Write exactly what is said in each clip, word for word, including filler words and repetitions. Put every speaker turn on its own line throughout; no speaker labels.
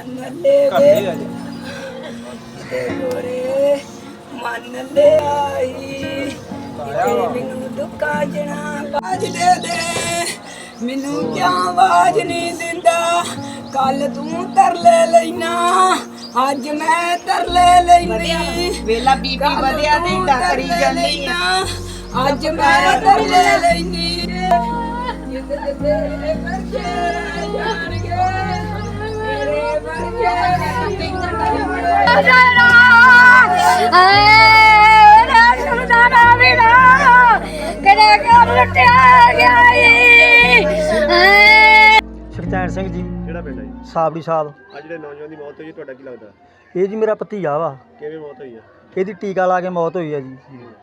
मन ले गोरे मन ले आई मैनू दुखा जना बाज दे दे मैनू क्या आवाज नहीं दिंदा कल तू तरले लेना अज मैं तरले लेनी
वेला बीबी वधिया ते इदा करी जानी
अज मैं तरले लेनी जिद तेरे बच्चे जान गए तेरे बच्चे
ਸੁਖਚੈਨ ਸਿੰਘ ਜੀ
ਕਿਹੜਾ ਪਿੰਡ ਹੈ ਜੀ?
ਸਾਬੜੀ ਸਾਹਿਬ।
ਆ ਜਿਹੜੇ ਨੌਜਵਾਨ ਦੀ ਮੌਤ ਹੋਈ ਹੈ ਤੁਹਾਡਾ ਕੀ ਲੱਗਦਾ?
ਇਹ ਜੀ ਮੇਰਾ ਭਤੀਜਾ ਵਾ।
ਕਿਵੇਂ ਮੌਤ ਹੋਈ ਹੈ?
ਇਹਦੀ ਟੀਕਾ ਲਾ ਕੇ ਮੌਤ ਹੋਈ ਹੈ ਜੀ।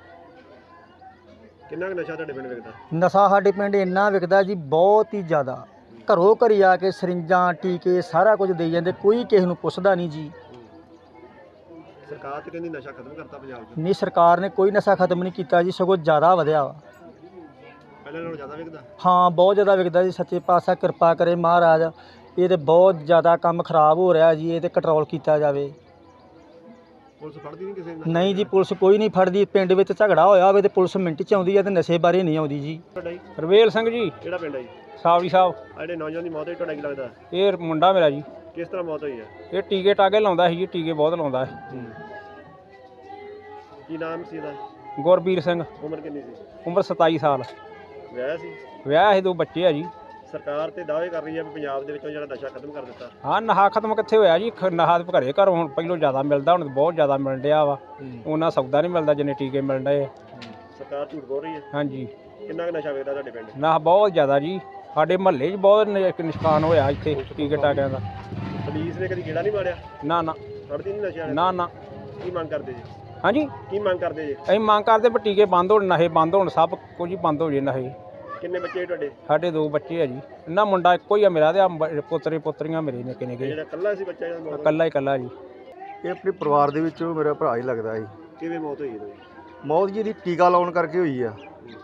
ਕਿੰਨਾ ਕੁ ਨਸ਼ਾ ਤੁਹਾਡੇ ਪਿੰਡ ਵਿਕਦਾ?
ਨਸ਼ਾ ਸਾਡੇ ਪਿੰਡ ਇੰਨਾ ਵਿਕਦਾ ਜੀ, ਬਹੁਤ ਹੀ ਜ਼ਿਆਦਾ। ਘਰੋਂ ਘਰੀ ਆ ਕੇ ਸਰਿੰਜਾਂ ਟੀਕੇ ਸਾਰਾ ਕੁਝ ਦੇਈ ਜਾਂਦੇ, ਕੋਈ ਕਿਸੇ ਨੂੰ ਪੁੱਛਦਾ ਨਹੀਂ ਜੀ।
ਸਰਕਾਰ ਤੇ ਕਹਿੰਦੀ ਨਸ਼ਾ ਖਤਮ ਕਰਤਾ ਪੰਜਾਬ 'ਚ।
ਨਹੀਂ, ਸਰਕਾਰ ਨੇ ਕੋਈ ਨਸ਼ਾ ਖਤਮ ਨਹੀਂ ਕੀਤਾ ਜੀ, ਸਗੋਂ ਜ਼ਿਆਦਾ ਵਧਿਆ ਵਾ।
ਪਹਿਲਾਂ ਨਾਲੋਂ ਜ਼ਿਆਦਾ ਵਿਕਦਾ?
ਹਾਂ, ਬਹੁਤ ਜ਼ਿਆਦਾ ਵਿਕਦਾ ਜੀ। ਸੱਚੇ ਪਾਤਸ਼ਾਹ ਕਿਰਪਾ ਕਰੇ ਮਹਾਰਾਜ, ਇਹ ਤੇ ਬਹੁਤ ਜ਼ਿਆਦਾ ਕੰਮ ਖਰਾਬ ਹੋ ਰਿਹਾ ਜੀ। ਇਹ ਤੇ ਕੰਟਰੋਲ ਕੀਤਾ ਜਾਵੇ।
ਪੁਲਿਸ ਫੜਦੀ ਨਹੀਂ ਕਿਸੇ ਨੂੰ?
ਨਹੀਂ ਜੀ, ਪੁਲਿਸ ਕੋਈ ਨਹੀਂ ਫੜਦੀ। ਪਿੰਡ ਵਿੱਚ ਝਗੜਾ ਹੋਇਆ ਹੋਵੇ ਤੇ ਪੁਲਿਸ ਮਿੰਟ 'ਚ ਆਉਂਦੀ ਹੈ ਤੇ ਨਸ਼ੇ ਬਾਰੇ ਨਹੀਂ ਆਉਂਦੀ ਜੀ।
ਤੁਹਾਡਾ ਜੀ?
ਰਵੇਲ ਸਿੰਘ ਜੀ,
ਕਿਹੜਾ ਪਿੰਡ ਹੈ ਜੀ?
ਸਾਵੜੀ ਸਾਹਿਬ।
ਆ ਜਿਹੜੇ ਨੌਜਵਾਨ ਦੀ ਮੌਤ ਹੋਈ ਤੁਹਾਡਾ ਕੀ ਲੱਗਦਾ?
ਇਹ ਮੁੰਡਾ ਮੇਰਾ ਜੀ।
ਕਿਸ ਤਰ੍ਹਾਂ ਮੌਤ ਹੋਈ ਹੈ?
ਇਹ ਟੀਕੇ ਟਾਕੇ ਲਾਉਂਦਾ ਸੀ ਜੀ, ਟੀਕੇ ਬਹੁਤ ਲਾਉਂਦਾ ਹੈ।
ਕੀ ਨਾਮ ਸੀ ਇਹਦਾ?
ਗੁਰਬੀਰ ਸਿੰਘ।
ਉਮਰ ਕਿੰਨੀ ਸੀ?
ਉਮਰ ਸਤਾਈ ਸਾਲ।
ਵਿਆਹ ਸੀ?
ਵਿਆਹ ਸੀ, ਦੋ ਬੱਚੇ ਆ ਜੀ।
ਸਰਕਾਰ ਤੇ ਦਾਅਵੇ ਕਰ ਰਹੀ ਹੈ ਵੀ ਪੰਜਾਬ ਦੇ ਵਿੱਚੋਂ ਜਿਹੜਾ ਨਸ਼ਾ ਖਤਮ ਕਰ ਦਿੱਤਾ।
ਹਾਂ, ਨਸ਼ਾ ਖਤਮ ਕਿੱਥੇ ਹੋਇਆ ਜੀ? ਖ- ਨਸ਼ਾ ਤੇ ਘਰੇ ਘਰੋਂ ਹੁਣ ਪਹਿਲੋਂ ਜ਼ਿਆਦਾ ਮਿਲਦਾ, ਹੁਣ ਬਹੁਤ ਜ਼ਿਆਦਾ ਮਿਲ ਰਿਹਾ ਵਾ। ਉਹਨਾਂ ਸੌਦਾ ਨਹੀਂ ਮਿਲਦਾ ਜਿੰਨੇ ਟੀਕੇ ਮਿਲ ਰਹੇ ਆ।
ਸਰਕਾਰ ਝੂਠ ਬੋਲ ਰਹੀ ਹੈ।
ਹਾਂਜੀ,
ਕਿੰਨਾ ਕੁ ਨਸ਼ਾ ਵਿਕਦਾ ਤੁਹਾਡੇ ਪਿੰਡ?
ਨਸ਼ਾ ਬਹੁਤ ਜ਼ਿਆਦਾ ਜੀ। ਸਾਡੇ ਮਹੱਲੇ 'ਚ ਬਹੁਤ ਨ- ਨੁਕਸਾਨ ਹੋਇਆ ਇੱਥੇ ਟੀਕੇ ਟਾਕਿਆਂ ਦਾ।
ਪੁਲਿਸ ਨੇ ਕਦੀ ਗੇੜਾ ਨਹੀਂ ਮਾਰਿਆ?
ਨਾ ਨਾ
ਫੜਦੀ ਨਹੀਂ ਨਸ਼ਾ?
ਨਾ ਨਾ।
ਕੀ ਮੰਗ ਕਰਦੇ ਜੀ?
ਹਾਂਜੀ,
ਕੀ ਮੰਗ ਕਰਦੇ ਜੀ?
ਅਸੀਂ ਮੰਗ ਕਰਦੇ ਵੀ ਟੀਕੇ ਬੰਦ ਹੋਣ, ਨਸ਼ੇ ਬੰਦ ਹੋਣ, ਸਭ ਕੁਝ ਹੀ ਬੰਦ ਹੋ ਜੇ ਨਸ਼ੇ।
ਕਿੰਨੇ ਬੱਚੇ ਤੁਹਾਡੇ?
ਸਾਡੇ ਦੋ ਬੱਚੇ ਆ ਜੀ। ਇਹਨਾਂ ਮੁੰਡਾ ਇੱਕੋ ਹੀ ਆ ਮੇਰਾ, ਤੇ ਆ ਪੁੱਤਰੇ ਪੁੱਤਰੀਆਂ ਮੇਰੇ ਨਿੱਕੇ ਨਿੱਕੇ।
ਜਿਹੜਾ ਇਕੱਲਾ ਸੀ ਬੱਚਾ ਜਿਹੜਾ ਮੌਤ?
ਇਕੱਲਾ ਹੀ ਇਕੱਲਾ ਜੀ।
ਇਹ ਆਪਣੇ ਪਰਿਵਾਰ ਦੇ ਵਿੱਚੋਂ ਮੇਰਾ ਭਰਾ ਹੀ ਲੱਗਦਾ ਸੀ।
ਕਿਵੇਂ ਮੌਤ ਹੋਈ ਇਹਦੀ?
ਮੌਤ ਜੀ ਦੀ ਟੀਕਾ ਲਾਉਣ ਕਰਕੇ ਹੋਈ ਆ।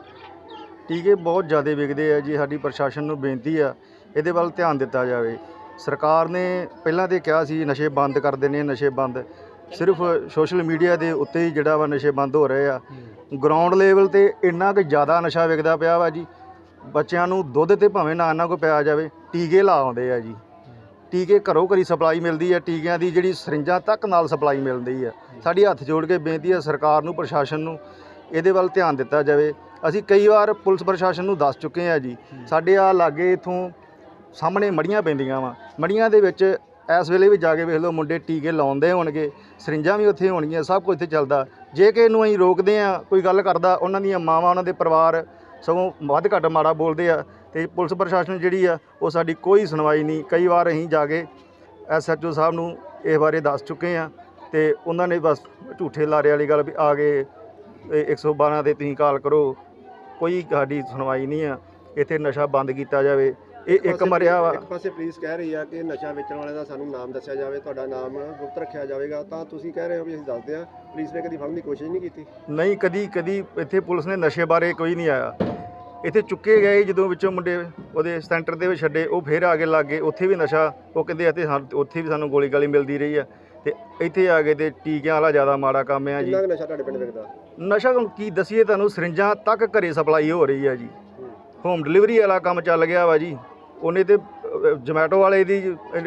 ਟੀਕੇ ਬਹੁਤ ਜ਼ਿਆਦਾ ਵਿਕਦੇ ਆ ਜੀ। ਸਾਡੀ ਪ੍ਰਸ਼ਾਸਨ ਨੂੰ ਬੇਨਤੀ ਆ ਇਹਦੇ ਵੱਲ ਧਿਆਨ ਦਿੱਤਾ ਜਾਵੇ। ਸਰਕਾਰ ਨੇ ਪਹਿਲਾਂ ਤੇ ਕਿਹਾ ਸੀ ਨਸ਼ੇ ਬੰਦ ਕਰ ਦੇਣੇ, ਨਸ਼ੇ ਬੰਦ। ਸਿਰਫ ਸੋਸ਼ਲ ਮੀਡੀਆ ਦੇ ਉੱਤੇ ਹੀ ਜਿਹੜਾ ਵਾ ਨਸ਼ੇ ਬੰਦ ਹੋ ਰਹੇ ਆ। ਗਰਾਊਂਡ ਲੈਵਲ ਤੇ ਇੰਨਾ ਕੁ ਜ਼ਿਆਦਾ ਨਸ਼ਾ ਵਿਕਦਾ ਪਿਆ ਵਾ ਜੀ। ਬੱਚਿਆਂ ਨੂੰ ਦੁੱਧ ਤੇ ਭਾਵੇਂ ਨਾ ਇਹਨਾਂ ਕੋ ਪਿਆ ਜਾਵੇ, ਟੀਕੇ ਲਾ ਆਉਂਦੇ ਆ ਜੀ। ਟੀਕੇ ਘਰੋਂ ਘਰੀ ਸਪਲਾਈ ਮਿਲਦੀ ਹੈ, ਟੀਕਿਆਂ ਦੀ ਜਿਹੜੀ ਸਰਿੰਜਾਂ ਤੱਕ ਨਾਲ ਸਪਲਾਈ ਮਿਲਦੀ ਹੈ। ਸਾਡੀ ਹੱਥ ਜੋੜ ਕੇ ਬੇਨਤੀ ਹੈ ਸਰਕਾਰ ਨੂੰ, ਪ੍ਰਸ਼ਾਸਨ ਨੂੰ ਇਹਦੇ ਵੱਲ ਧਿਆਨ ਦਿੱਤਾ ਜਾਵੇ। ਅਸੀਂ ਕਈ ਵਾਰ ਪੁਲਿਸ ਪ੍ਰਸ਼ਾਸਨ ਨੂੰ ਦੱਸ ਚੁੱਕੇ ਹਾਂ ਜੀ। ਸਾਡੇ ਆ ਲਾਗੇ ਇੱਥੋਂ ਸਾਹਮਣੇ ਮੜੀਆਂ ਪੈਂਦੀਆਂ ਵਾ, ਮੜੀਆਂ ਦੇ ਵਿੱਚ ਇਸ ਵੇਲੇ ਵੀ ਜਾ ਕੇ ਵੇਖ ਲਓ, ਮੁੰਡੇ ਟੀਕੇ ਲਾਉਂਦੇ ਹੋਣਗੇ, ਸਰਿੰਜਾਂ ਵੀ ਉੱਥੇ ਹੋਣਗੀਆਂ, ਸਭ ਕੁਝ ਇੱਥੇ ਚੱਲਦਾ। ਜੇ ਕਿ ਇਹਨੂੰ ਅਸੀਂ ਰੋਕਦੇ ਹਾਂ, ਕੋਈ ਗੱਲ ਕਰਦਾ, ਉਹਨਾਂ ਦੀਆਂ ਮਾਵਾਂ, ਉਹਨਾਂ ਦੇ ਪਰਿਵਾਰ ਸਗੋਂ ਵੱਧ ਘੱਟ ਮਾੜਾ ਬੋਲਦੇ ਆ। ਅਤੇ ਪੁਲਿਸ ਪ੍ਰਸ਼ਾਸਨ ਜਿਹੜੀ ਆ ਉਹ ਸਾਡੀ ਕੋਈ ਸੁਣਵਾਈ ਨਹੀਂ। ਕਈ ਵਾਰ ਅਸੀਂ ਜਾ ਕੇ ਐਸ ਐਚ ਓ ਸਾਹਿਬ ਨੂੰ ਇਸ ਬਾਰੇ ਦੱਸ ਚੁੱਕੇ ਹਾਂ ਅਤੇ ਉਹਨਾਂ ਨੇ ਬਸ ਝੂਠੇ ਲਾਰੇ ਵਾਲੀ ਗੱਲ ਵੀ ਆ ਗਏ ਇੱਕ ਸੌ ਬਾਰਾਂ 'ਤੇ ਤੁਸੀਂ ਕਾਲ ਕਰੋ। ਕੋਈ ਸਾਡੀ ਸੁਣਵਾਈ ਨਹੀਂ ਆ। ਇੱਥੇ ਨਸ਼ਾ ਬੰਦ ਕੀਤਾ ਜਾਵੇ। ਇਹ ਇੱਕ ਮਰਿਆ ਵਾ।
ਇੱਕ ਪਾਸੇ ਪੁਲਿਸ ਕਹਿ ਰਹੀ ਆ ਕਿ ਨਸ਼ਾ ਵੇਚਣ ਵਾਲੇ ਦਾ ਸਾਨੂੰ ਨਾਮ ਦੱਸਿਆ ਜਾਵੇ, ਤੁਹਾਡਾ ਨਾਮ ਗੁਪਤ ਰੱਖਿਆ ਜਾਵੇਗਾ, ਤਾਂ ਤੁਸੀਂ ਕਹਿ ਰਹੇ ਹੋ ਵੀ ਅਸੀਂ ਦੱਸਦੇ ਹਾਂ। ਪੁਲਿਸ ਨੇ ਕਦੀ ਫੜਨ ਦੀ ਕੋਸ਼ਿਸ਼ ਨਹੀਂ ਕੀਤੀ?
ਨਹੀਂ, ਕਦੀ ਕਦੀ ਇੱਥੇ ਪੁਲਿਸ ਨੇ ਨਸ਼ੇ ਬਾਰੇ ਕੋਈ ਨਹੀਂ ਆਇਆ। ਇੱਥੇ ਚੁੱਕੇ ਗਏ ਜਦੋਂ ਵਿੱਚੋਂ ਮੁੰਡੇ ਉਹਦੇ ਸੈਂਟਰ ਦੇ ਵਿੱਚ ਛੱਡੇ, ਉਹ ਫਿਰ ਆ ਕੇ ਲੱਗ ਗਏ। ਉੱਥੇ ਵੀ ਨਸ਼ਾ ਉਹ ਕਹਿੰਦੇ ਅਤੇ ਉੱਥੇ ਵੀ ਸਾਨੂੰ ਗੋਲੀ ਗਾਲੀ ਮਿਲਦੀ ਰਹੀ ਆ। ਅਤੇ ਇੱਥੇ ਆ ਗਏ ਅਤੇ ਟੀਕਿਆਂ ਵਾਲਾ ਜ਼ਿਆਦਾ ਮਾੜਾ ਕੰਮ ਆ ਜੀ।
ਕਿੰਨਾ ਕੁ ਨਸ਼ਾ ਤੁਹਾਡੇ ਪਿੰਡ ਵਿਕਦਾ?
ਨਸ਼ਾ ਹੁਣ ਕੀ ਦਸੀਏ ਤੁਹਾਨੂੰ, ਸਰਿੰਜਾਂ ਤੱਕ ਘਰੇ ਸਪਲਾਈ ਹੋ ਰਹੀ ਆ ਜੀ। ਹੋਮ ਡਿਲੀਵਰੀ ਵਾਲਾ ਕੰਮ ਚੱਲ ਗਿਆ ਵਾ ਜੀ। ਉਹਨੇ ਤੇ ਜਮੈਟੋ ਵਾਲੇ ਦੀ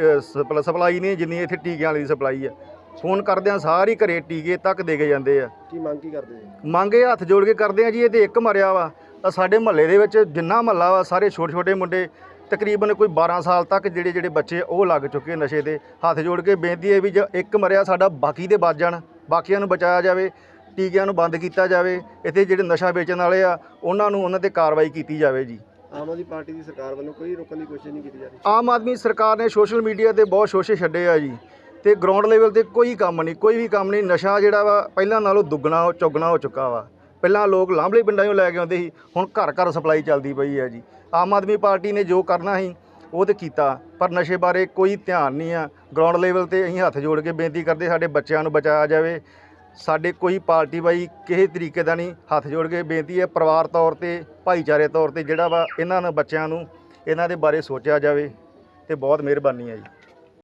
ਸਪਲਾਈ ਨਹੀਂ ਜਿੰਨੀ ਇੱਥੇ ਟੀਕਿਆਂ ਵਾਲੀ ਦੀ ਸਪਲਾਈ ਆ। ਫੋਨ ਕਰਦਿਆਂ ਸਾਰੀ ਘਰੇ ਟੀਕੇ ਤੱਕ ਦੇ ਕੇ ਜਾਂਦੇ ਆ।
ਕੀ ਮੰਗ ਕੀ ਕਰਦੇ ਜੀ?
ਮੰਗ ਇਹ ਹੱਥ ਜੋੜ ਕੇ ਕਰਦੇ ਆ ਜੀ। ਇਹ ਤੇ ਇੱਕ ਮਰਿਆ ਵਾ ਤਾਂ ਸਾਡੇ ਮਹੱਲੇ ਦੇ ਵਿੱਚ ਜਿੰਨਾ ਮਹੱਲਾ ਵਾ ਸਾਰੇ ਛੋਟੇ ਛੋਟੇ ਮੁੰਡੇ, ਤਕਰੀਬਨ ਕੋਈ ਬਾਰਾਂ ਸਾਲ ਤੱਕ ਜਿਹੜੇ ਜਿਹੜੇ ਬੱਚੇ ਉਹ ਲੱਗ ਚੁੱਕੇ ਨਸ਼ੇ ਦੇ। ਹੱਥ ਜੋੜ ਕੇ ਬੇਨਤੀ ਹੈ ਵੀ ਜੇ ਇੱਕ ਮਰਿਆ ਸਾਡਾ ਬਾਕੀ ਦੇ ਬਚ ਜਾਣ, ਬਾਕੀਆਂ ਨੂੰ ਬਚਾਇਆ ਜਾਵੇ, ਟੀਕਿਆਂ ਨੂੰ ਬੰਦ ਕੀਤਾ ਜਾਵੇ। ਇੱਥੇ ਜਿਹੜੇ ਨਸ਼ਾ ਵੇਚਣ ਵਾਲੇ ਆ ਉਹਨਾਂ ਨੂੰ ਉਹਨਾਂ 'ਤੇ ਕਾਰਵਾਈ ਕੀਤੀ ਜਾਵੇ ਜੀ।
ਆਮ ਆਦਮੀ ਪਾਰਟੀ ਦੀ ਸਰਕਾਰ ਵੱਲੋਂ ਕੋਈ ਰੋਕਣ ਦੀ ਕੋਸ਼ਿਸ਼ ਨਹੀਂ ਕੀਤੀ ਜਾ ਰਹੀ?
ਆਮ ਆਦਮੀ ਸਰਕਾਰ ਨੇ ਸੋਸ਼ਲ ਮੀਡੀਆ 'ਤੇ ਬਹੁਤ ਸ਼ੋਸ਼ੇ ਛੱਡੇ ਆ ਜੀ। ਅਤੇ ਗਰਾਊਂਡ ਲੈਵਲ 'ਤੇ ਕੋਈ ਕੰਮ ਨਹੀਂ, ਕੋਈ ਵੀ ਕੰਮ ਨਹੀਂ। ਨਸ਼ਾ ਜਿਹੜਾ ਵਾ ਪਹਿਲਾਂ ਨਾਲੋਂ ਦੁੱਗਣਾ ਚੌਗਣਾ ਹੋ ਚੁੱਕਾ ਵਾ। ਪਹਿਲਾਂ ਲੋਕ ਲਾਂਭਲੇ ਪਿੰਡਾਂ 'ਚੋਂ ਲੈ ਕੇ ਆਉਂਦੇ ਸੀ, ਹੁਣ ਘਰ ਘਰ ਸਪਲਾਈ ਚੱਲਦੀ ਪਈ ਹੈ ਜੀ। ਆਮ ਆਦਮੀ ਪਾਰਟੀ ਨੇ ਜੋ ਕਰਨਾ ਸੀ ਉਹ ਤਾਂ ਕੀਤਾ, ਪਰ ਨਸ਼ੇ ਬਾਰੇ ਕੋਈ ਧਿਆਨ ਨਹੀਂ ਆ। ਗਰਾਊਂਡ ਲੈਵਲ 'ਤੇ ਅਸੀਂ ਹੱਥ ਜੋੜ ਕੇ ਬੇਨਤੀ ਕਰਦੇ ਸਾਡੇ ਬੱਚਿਆਂ ਨੂੰ ਬਚਾਇਆ ਜਾਵੇ। ਸਾਡੇ ਕੋਈ ਪਾਰਟੀ ਬਾਈ ਕਿਸੇ ਤਰੀਕੇ ਦਾ ਨਹੀਂ। ਹੱਥ ਜੋੜ ਕੇ ਬੇਨਤੀ ਹੈ ਪਰਿਵਾਰ ਤੌਰ 'ਤੇ, ਭਾਈਚਾਰੇ ਤੌਰ 'ਤੇ ਜਿਹੜਾ ਵਾ ਇਹਨਾਂ ਨੂੰ ਬੱਚਿਆਂ ਨੂੰ ਇਹਨਾਂ ਦੇ ਬਾਰੇ ਸੋਚਿਆ ਜਾਵੇ। ਅਤੇ ਬਹੁਤ ਮਿਹਰਬਾਨੀ ਹੈ ਜੀ।